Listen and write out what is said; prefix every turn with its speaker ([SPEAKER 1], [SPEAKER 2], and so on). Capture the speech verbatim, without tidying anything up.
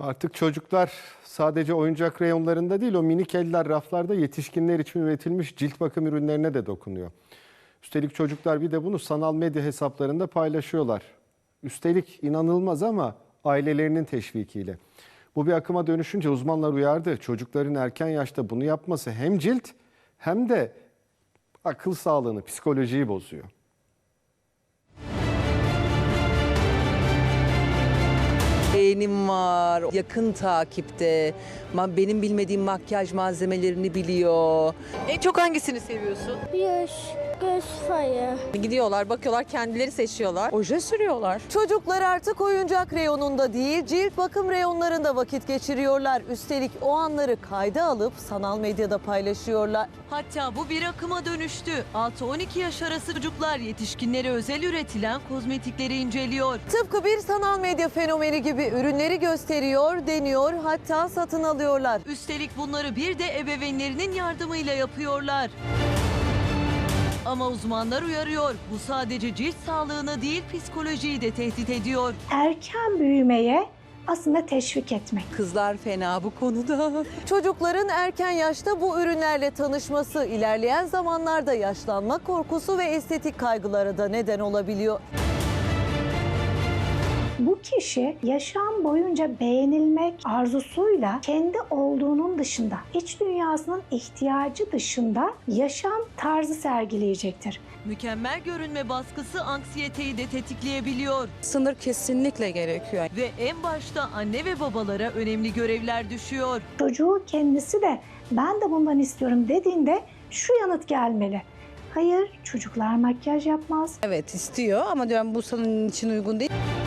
[SPEAKER 1] Artık çocuklar sadece oyuncak reyonlarında değil, o minik eller raflarda yetişkinler için üretilmiş cilt bakım ürünlerine de dokunuyor. Üstelik çocuklar bir de bunu sanal medya hesaplarında paylaşıyorlar. Üstelik inanılmaz ama ailelerinin teşvikiyle. Bu bir akıma dönüşünce uzmanlar uyardı. Çocukların erken yaşta bunu yapması hem cilt hem de akıl sağlığını, psikolojiyi bozuyor.
[SPEAKER 2] Beğenim var, yakın takipte, Ma- benim bilmediğim makyaj malzemelerini biliyor.
[SPEAKER 3] En çok hangisini seviyorsun?
[SPEAKER 4] Yüz, göz fayı.
[SPEAKER 3] Gidiyorlar, bakıyorlar, kendileri seçiyorlar. Oje sürüyorlar.
[SPEAKER 2] Çocuklar artık oyuncak reyonunda değil, cilt bakım reyonlarında vakit geçiriyorlar. Üstelik o anları kayda alıp sanal medyada paylaşıyorlar.
[SPEAKER 5] Hatta bu bir akıma dönüştü. altı on iki yaş arası çocuklar yetişkinlere özel üretilen kozmetikleri inceliyor.
[SPEAKER 2] Tıpkı bir sanal medya fenomeni gibi ürünleri gösteriyor, deniyor, hatta satın alıyorlar.
[SPEAKER 5] Üstelik bunları bir de ebeveynlerinin yardımıyla yapıyorlar. Ama uzmanlar uyarıyor. Bu sadece cilt sağlığını değil, psikolojiyi de tehdit ediyor.
[SPEAKER 6] Erken büyümeye aslında teşvik etmek.
[SPEAKER 2] Kızlar fena bu konuda. Çocukların erken yaşta bu ürünlerle tanışması ilerleyen zamanlarda yaşlanma korkusu ve estetik kaygılara da neden olabiliyor.
[SPEAKER 6] Bu kişi yaşam boyunca beğenilmek arzusuyla kendi olduğunun dışında, iç dünyasının ihtiyacı dışında yaşam tarzı sergileyecektir.
[SPEAKER 5] Mükemmel görünme baskısı anksiyeteyi de tetikleyebiliyor.
[SPEAKER 3] Sınır kesinlikle gerekiyor.
[SPEAKER 5] Ve en başta anne ve babalara önemli görevler düşüyor.
[SPEAKER 6] Çocuğu kendisi de ben de bundan istiyorum dediğinde şu yanıt gelmeli. Hayır, çocuklar makyaj yapmaz.
[SPEAKER 3] Evet istiyor ama diyorum bu senin için uygun değil.